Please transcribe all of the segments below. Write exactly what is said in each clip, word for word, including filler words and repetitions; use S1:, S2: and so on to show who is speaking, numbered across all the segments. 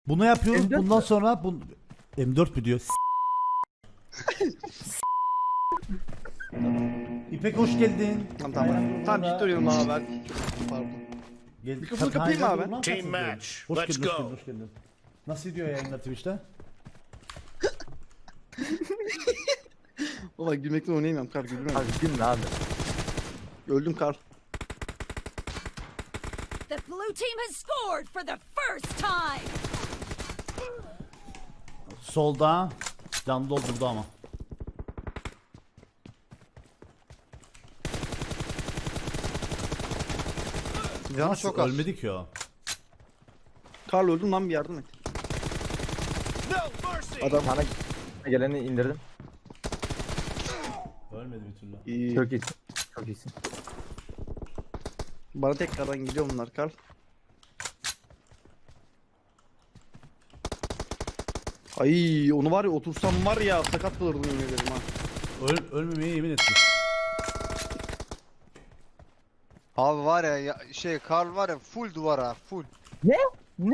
S1: Bunu yapıyoruz.
S2: M dört
S1: Bundan
S2: mü?
S1: sonra bu M dört mü diyor? İpek hoş geldin.
S3: Tamam tamam.
S1: Aynen,
S3: Tamam
S1: burada-
S3: ciddi oynuyorum abi ben. Pardon.
S1: Gel,
S3: Mikrofonu
S1: Ka-
S3: kapayım
S1: Aynen,
S3: abi.
S1: dur lan,
S4: Team
S1: kaç
S4: match.
S1: Hoş
S4: Let's
S1: geldin, hoş
S4: go.
S1: geldin, hoş geldin. Nasıl gidiyor yayınlar Twitch'te?
S3: Valla gülmekten oynayamıyorum kar gülmem.
S2: Abi gülme abi.
S3: Öldüm kar.
S5: The blue team has scored for the first time.
S1: Solda. Can doldurdu ama.
S3: Canı
S1: Nasıl
S3: çok az.
S1: ölmedi ki o?
S3: Karl öldüm lan bir yardım et.
S4: No mercy.
S3: Adam
S2: Sana geleni indirdim.
S1: Ölmedi bir türlü.
S3: iyi.
S2: Çok iyisin. Çok iyisin.
S3: Bana tekrardan gidiyor bunlar Karl. Ay onu var ya otursam var ya sakat kalırdım yemin ederim ha.
S1: Öl ölmemeye yemin ettim.
S6: Abi var ya, ya şey Karl var ya full duvara full.
S2: Ne? Ne?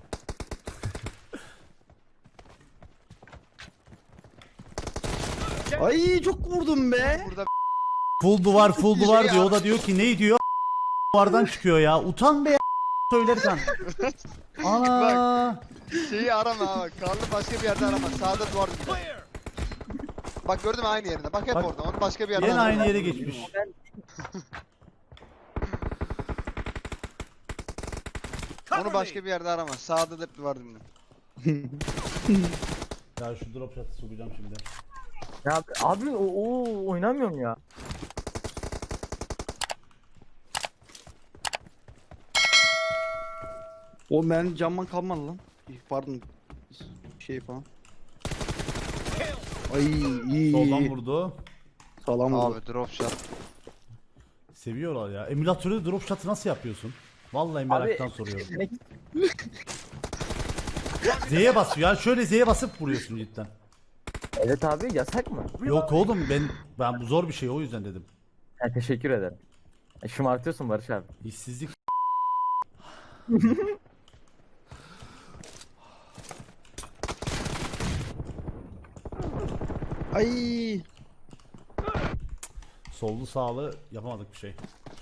S3: Ay çok vurdum be.
S6: Burada
S1: Full duvar full
S6: Bir
S1: duvar
S6: şey
S1: diyor. O
S6: ara-
S1: da diyor ki ne diyor? Duvardan çıkıyor ya. Utan be ya söylerken. Ana.
S6: şeyi arama abi. Karl'ı başka bir yerde arama. Sağda duvar gibi.
S4: Clear.
S6: Bak gördün mü aynı yerinde. Bak hep
S1: Bak.
S6: orada. Onu başka bir yerde
S1: Yine
S6: arama.
S1: aynı yere geçmiş.
S4: Cover
S6: Onu
S4: me.
S6: başka bir yerde arama. Sağda da hep duvar dibinde.
S1: Ya şu drop shot'ı sokacağım şimdi.
S2: Ya abi, abi o, o oynamıyorum ya.
S3: O ben camdan kalmadı lan. Pardon. Şey falan. Ay iyi.
S1: Soldan vurdu.
S3: Sağlam vurdu.
S6: Abi drop shot.
S1: Seviyorlar ya. Emülatörde drop shot'ı nasıl yapıyorsun? Vallahi meraktan
S2: Abi-
S1: soruyorum.
S2: Ne-
S1: Z'ye basıyor ya. Şöyle Z'ye basıp vuruyorsun cidden.
S2: Evet abi yasak mı?
S1: Yok oğlum ben ben bu zor bir şey o yüzden dedim.
S2: Ha, teşekkür ederim. E, şımartıyorsun Barış abi.
S1: İşsizlik.
S3: Ay.
S1: Sollu sağlı yapamadık bir şey.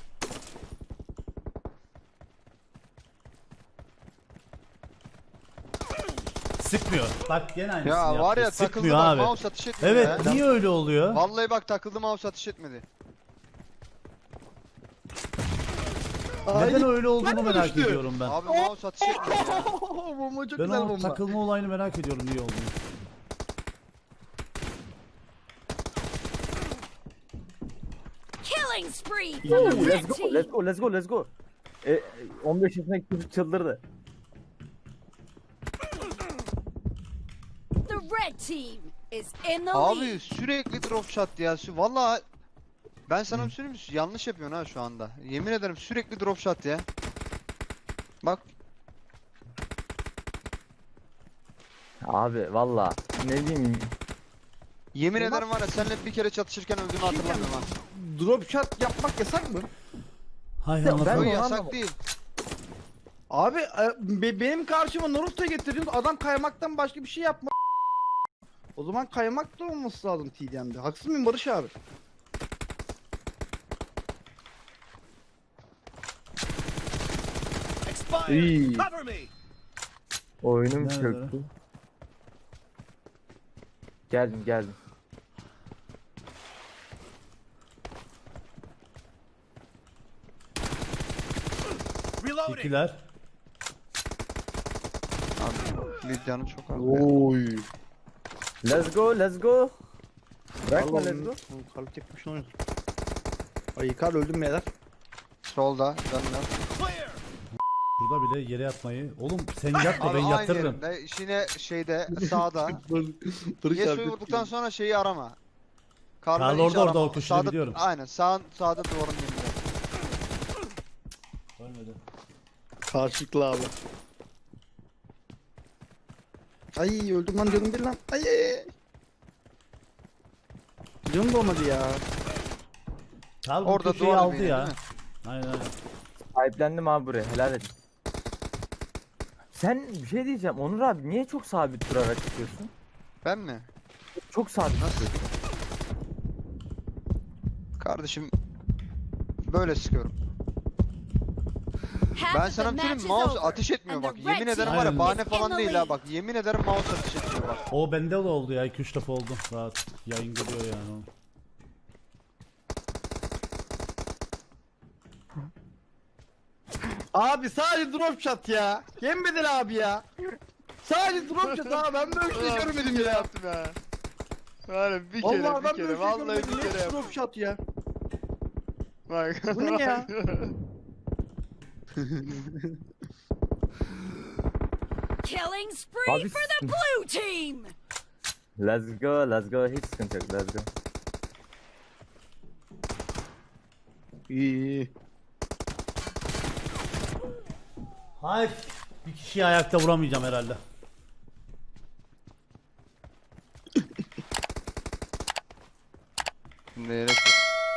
S1: Sıkmıyor. Bak gene aynısını
S6: Ya
S1: yaptı.
S6: var ya takıldı
S1: Sıkmıyor
S6: bak
S1: abi.
S6: mouse atış etmedi
S1: Evet
S6: ya.
S1: niye öyle oluyor?
S6: Vallahi bak takıldı mouse atış etmedi.
S1: Neden öyle olduğunu
S3: ben
S1: merak
S3: düştü.
S1: ediyorum ben.
S6: Abi mouse atış etmedi ya.
S3: Bomba çok
S1: Ben
S3: güzel
S1: o
S3: bomba.
S1: takılma olayını merak ediyorum niye olduğunu.
S5: Killing spree for the
S2: Let's
S5: red
S2: go,
S5: team.
S2: let's go, let's go, let's go. E, on beş yaşındaki çocuk çıldırdı.
S5: The red team is in the
S6: Abi
S5: lead.
S6: sürekli drop shot ya. Sü- Vallahi ben sana bir söyleyeyim mi? Yanlış yapıyorsun ha şu anda. Yemin ederim sürekli drop shot ya. Bak
S2: Abi valla ne diyeyim.
S6: yemin ederim var ya seninle bir kere çatışırken öldüğümü hatırlamıyorum ha.
S3: Drop shot yapmak yasak mı?
S1: Hay
S2: Ya
S1: Allah.
S2: ben-
S6: Yok
S2: onu
S6: yasak
S2: anlamadım.
S6: değil.
S3: Abi e, be- benim karşıma Naruto'yu getirdiniz adam kaymaktan başka bir şey yapma. O zaman kaymak da olması lazım T D M'de. Haksız mıyım Barış abi?
S4: Expired.
S3: İyi.
S4: Cover me.
S2: Oyunum
S1: Nerede?
S2: çöktü. Geldim geldim.
S4: Reloading.
S1: İkiler.
S6: Abi Lidya'nın çok az.
S3: Oy.
S2: Let's go, let's go. Bırakma
S3: Vallahi
S2: let's go.
S3: Karl tek başına oynadı. Ay Karl öldüm beyler.
S6: Solda canlar.
S4: Clear.
S1: Burada bile yere yatmayı. Oğlum sen yatma
S6: Abi
S1: ben
S6: aynı
S1: yatırırım.
S6: yerinde yine şeyde sağda.
S3: Barış
S6: Yesu'yu
S3: abi.
S6: vurduktan sonra şeyi arama. Karl'ı
S1: Karl
S6: hiç
S1: orada, orada,
S6: arama.
S1: o köşede
S6: Sağda-
S1: biliyorum.
S6: Aynen sağ, sağda duvarın dibinde.
S1: Ölmedi.
S3: Karşılıklı abi. Ay öldüm lan canım bir lan. Ay ay ay. Canım dolmadı ya.
S1: Karl bu
S6: Orada
S1: köşeyi
S6: duvar
S1: aldı
S6: dibiydi,
S1: ya.
S6: değil mi?
S1: Aynen aynen.
S2: Sahiplendim abi buraya helal edin. Sen bir şey diyeceğim Onur abi, niye çok sabit durarak çıkıyorsun?
S6: Ben mi?
S2: Çok sabit
S6: Nasıl?
S2: çıkıyorsun.
S6: Kardeşim böyle sıkıyorum.
S5: Half
S6: Ben
S5: of the
S6: sana bir şey
S5: match
S6: söyleyeyim,
S5: is
S6: mouse
S5: over,
S6: ateş etmiyor
S5: and
S6: bak.
S5: the
S6: Yemin
S5: red
S6: ederim
S5: team
S6: var ya,
S1: Aynen.
S6: bahane
S5: is in
S6: falan
S5: the
S6: değil ha
S5: lead.
S6: bak. Yemin ederim mouse ateş etmiyor bak.
S1: O bende de oldu ya, iki üç defa oldu. Rahat yayın geliyor yani. o.
S3: Abi sadece drop shot ya. Yemedin abi ya. Sadece drop shot abi, ben böyle bir şey görmedim ya.
S6: yaptım ya. Var bir
S3: Vallahi
S6: kere,
S3: ben
S6: bir
S3: böyle
S6: kere,
S3: bir şey
S6: vallahi
S3: görmedim.
S6: bir kere
S3: Hep
S6: yaptım.
S3: drop shot ya.
S6: Bak.
S3: Bu ne ya?
S5: Killing spree
S2: Abi
S5: for the blue team.
S2: Let's go, let's go, hiç sıkıntı yok, let's go.
S3: İyi iyi.
S1: Hayır. Bir kişiyi ayakta vuramayacağım herhalde.
S6: Şimdi yere koy.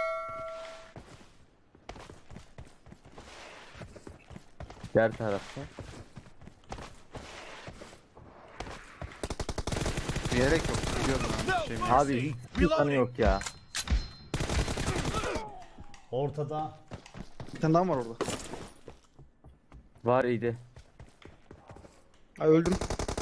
S2: Diğer tarafta.
S6: Diyerek yok. Biliyorum ben. Şey mi?
S2: Abi hiç kanı yok ya.
S1: Ortada.
S3: Bir tane daha var orada.
S2: Var idi.
S3: Ay öldüm.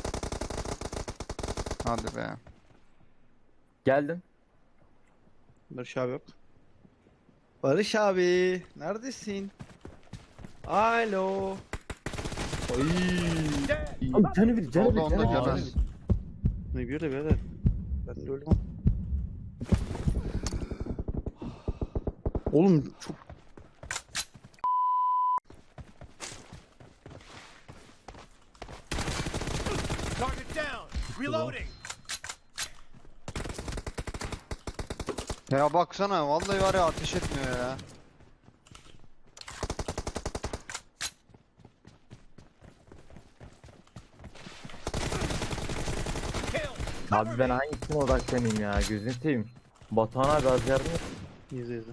S6: Hadi be.
S2: Geldim.
S3: Barış abi yok. Barış abi neredesin? Alo. Ay.
S2: Abi canı bir, canı
S6: Oldu
S2: bir,
S6: onda
S2: canı bir.
S6: görmez.
S3: Ne bir de birader. Ben de öldüm. Oğlum çok
S4: Target down. Reloading.
S6: Ya baksana vallahi var ya, ateş etmiyor ya.
S4: Kill.
S2: Abi ben hangisine odaklanayım ya, gözünü seveyim. Batuhan abi az yardım et.
S3: izle izle.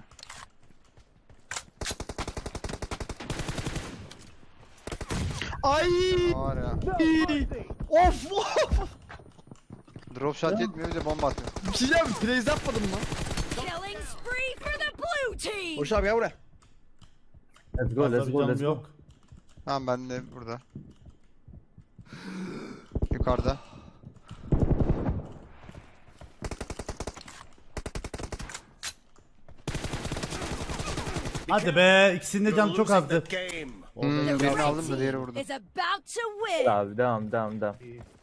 S3: Ay!
S6: Var ya.
S3: Of of!
S6: Drop shot yetmiyor, bir de bomba atıyor.
S3: Bir şey diyeceğim, plays yapmadım lan.
S5: Killing spree for the blue team.
S3: Barış abi gel buraya.
S2: Let's go,
S1: Fazla
S2: let's
S1: bir
S2: go,
S1: canım
S2: let's go.
S1: yok.
S6: Tamam ben de burada. Yukarıda.
S1: Hadi be, ikisinin de canı çok
S4: Losing
S1: azdı.
S4: the game.
S1: Orada
S6: Hmm,
S1: yok.
S6: birini
S5: Red
S6: aldım da diğeri
S5: team
S6: vurdu.
S5: is about to win.
S2: Abi devam, devam, devam.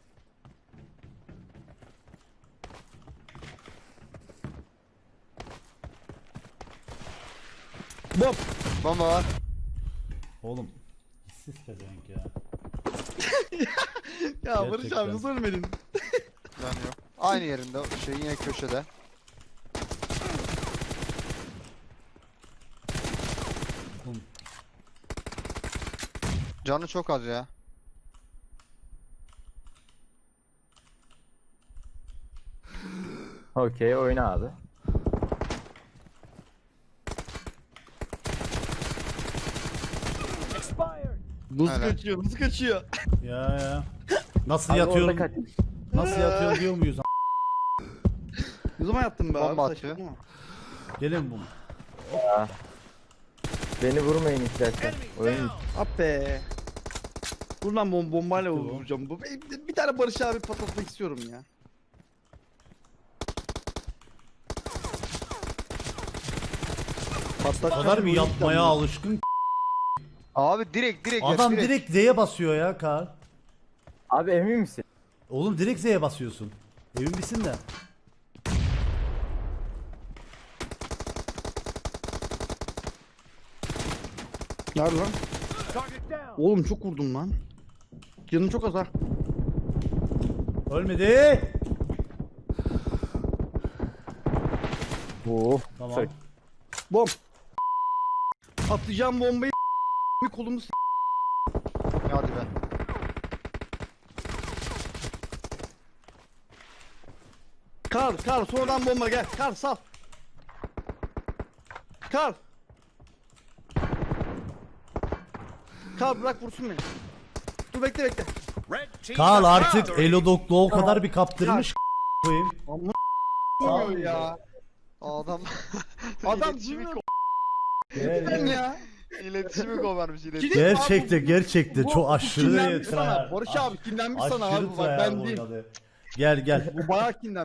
S3: Bom.
S6: Bomba var.
S1: Oğlum. Siz pezevenk ya.
S3: Ya Barış
S1: Gerçekten.
S3: abi nasıl ölmedin?
S6: Can yok. Aynı yerinde, o şey yine köşede.
S1: Oğlum,
S6: Canı çok az ya.
S2: Okey, oyna abi.
S3: Nasıl
S6: Helal.
S3: kaçıyor, nasıl kaçıyor?
S1: ya ya. Nasıl
S2: Abi
S1: yatıyorum?
S2: orada kaç.
S1: Nasıl yatıyorum diyor muyuz?
S3: Ne zaman yattın be abi?
S6: Bomba
S3: Saçmalama.
S6: atıyor.
S1: Gelin bu.
S2: Beni vurmayın istersen.
S4: Enemy
S2: Oyun
S4: down.
S3: Ah be. Dur lan bom bombayla
S1: Gitti bu.
S3: vuracağım. Bu bir, bir tane Barış abi patlatmak istiyorum ya.
S1: O
S3: Patlatacağım.
S1: kadar bir
S3: oyun
S1: yapmaya
S3: planı.
S1: alışkın.
S6: Abi direkt direkt
S1: Adam
S6: direkt.
S1: direkt Z'ye basıyor ya Kar.
S2: Abi emin misin?
S1: Oğlum direkt Z'ye basıyorsun. Emin misin de?
S3: Nerede lan?
S4: Target down.
S3: Oğlum çok vurdum lan. Canım çok az ha.
S1: Ölmedi.
S2: Oo.
S1: Tamam.
S2: Sorry.
S3: Bom. Atacağım bombayı bir kolumu s-
S6: Hadi be.
S3: Kar, kar sonradan bomba gel. Kar sal. Kar. Kar bırak vursun beni. Dur bekle bekle.
S4: Red team
S1: Kaan
S4: has
S1: artık
S4: victory.
S1: Elodok'la o kadar bir kaptırmış koyayım.
S3: Amına ya.
S6: Adam
S3: Adam
S6: İletişimi
S3: duymuyor
S1: Gel,
S3: mu
S1: gel.
S3: ya?
S6: iletişimi kovarmış iletişimi.
S3: Kilit abi,
S1: Gerçekten
S3: bu-
S1: gerçekten
S3: bu-
S1: çok
S3: bu
S1: aşırı
S3: kinlenmiş
S1: tryhard.
S3: sana. Barış abi kinlenmiş sana
S1: Aşırı
S3: abi. Bak
S1: tryhard
S3: ben değil.
S1: oynadı. Gel gel.
S3: Bu bayağı kinlenmiş.